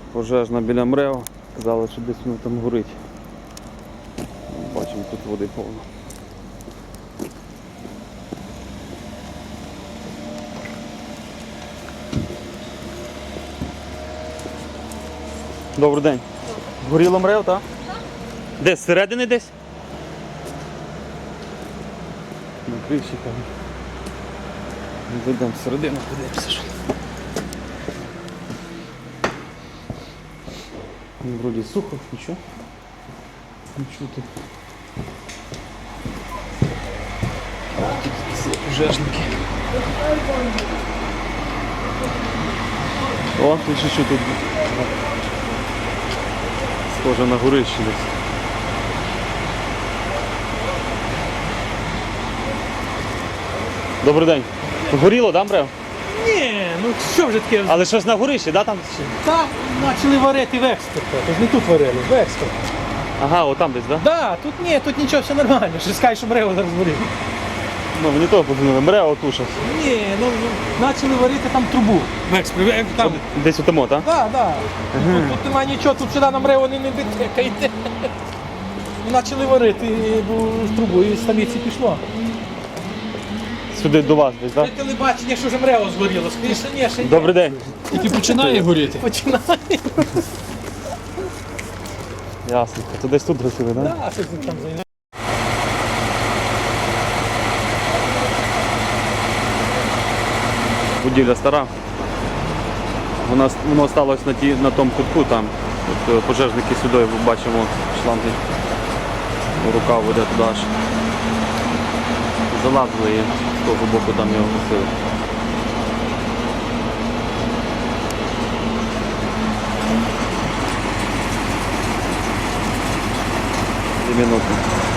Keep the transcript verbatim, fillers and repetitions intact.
Пожежна біля МРЕО. Казали, що десь воно там горить. Бачимо, тут води повно. Добрий день. Горіло МРЕО, так? Де, зсередини десь? На криші там. Зайдемо всередину, подивимося, що. Вроді сухо, нічого. Не чути. Тільки всі пожежники. О, тут ще що тут. Схоже на горище десь. Добрий день. Горіло, да, МРЕО? Ні, ну що вже таке? Але щось на горищі, да, там? Там почали варити в експерта, тож не тут варили, в експерт. Ага, отам десь, да? Да, тут ні, тут нічого, все нормально, що скажеш, що МРЕО зараз горить. Ну, мені того подумали, МРЕО туша. Ні, ну почали варити там трубу в експерт. Там. Десь у тому, так? Да, да. Тут, тут немає нічого, тут сюди на МРЕО не дотикаєте. Почали варити бо, трубу і з столиці пішло. Сюди до вас десь, так? Це телебачення, що вже МРЕО згоріло, скоріше, ні, ще ні. Добрий день. Тільки починає горіти. Починає. Ясно. То десь тут гасили, так? Да, щось там займає. Будівля стара. Вона, воно сталося на, ті, на тому кутку там. От, е, пожежники сюди, бачимо, шланги. Рука веде туди аж. Залазили і з того боку там його гасили. Дві минути.